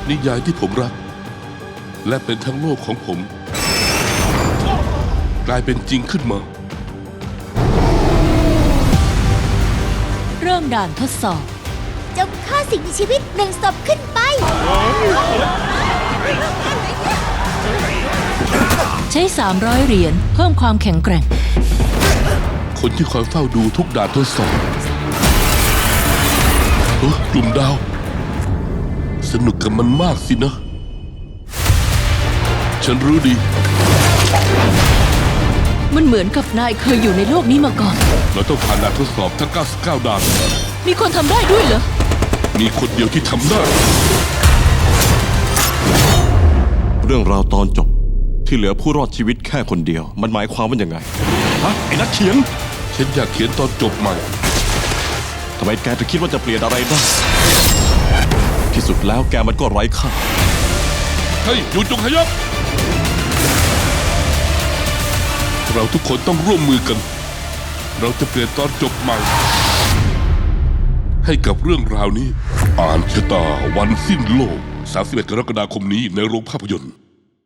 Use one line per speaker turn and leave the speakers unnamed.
นิยายที่ผมรักและเป็นทั้งโลกของผมกลายเป็นจริงขึ้นมา
เริ่มด่านทดสอบ
จงฆ่าสิ่งมีชีวิต1 ศพขึ้นไป
ใช้300 เหรียญเพิ่มความแข็งแกร่ง
คนที่คอยเฝ้าดูทุกด่านทดสอบกลุ่มดาวสนุกกับมันมากสินะฉันรู้ดี
มันเหมือนกับนายเคยอยู่ในโลกนี้มาก่อน
เราต้องผ่านด่านทดสอบทั้ง99ด่าน
มีคนทำได้ด้วยเหรอ
มีคนเดียวที่ทำได้
เรื่องราวตอนจบที่เหลือผู้รอดชีวิตแค่คนเดียวมันหมายความว่ายังไงฮะไอ้นักเขียน
ฉันอยากเขียนตอนจบใหม่
ทำไมแกถึงคิดว่าจะเปลี่ยนอะไรได้ที่สุดแล้วแกมันก็ไร้ค่า
เฮ้ยหยุดจงขยับเราทุกคนต้องร่วมมือกันเราจะเปลี่ยนตอนจบใหม่ให้กับเรื่องราวนี้อ่านชะตาวันสิ้นโลก31 กรกฎาคมนี้ในโรงภาพยนตร์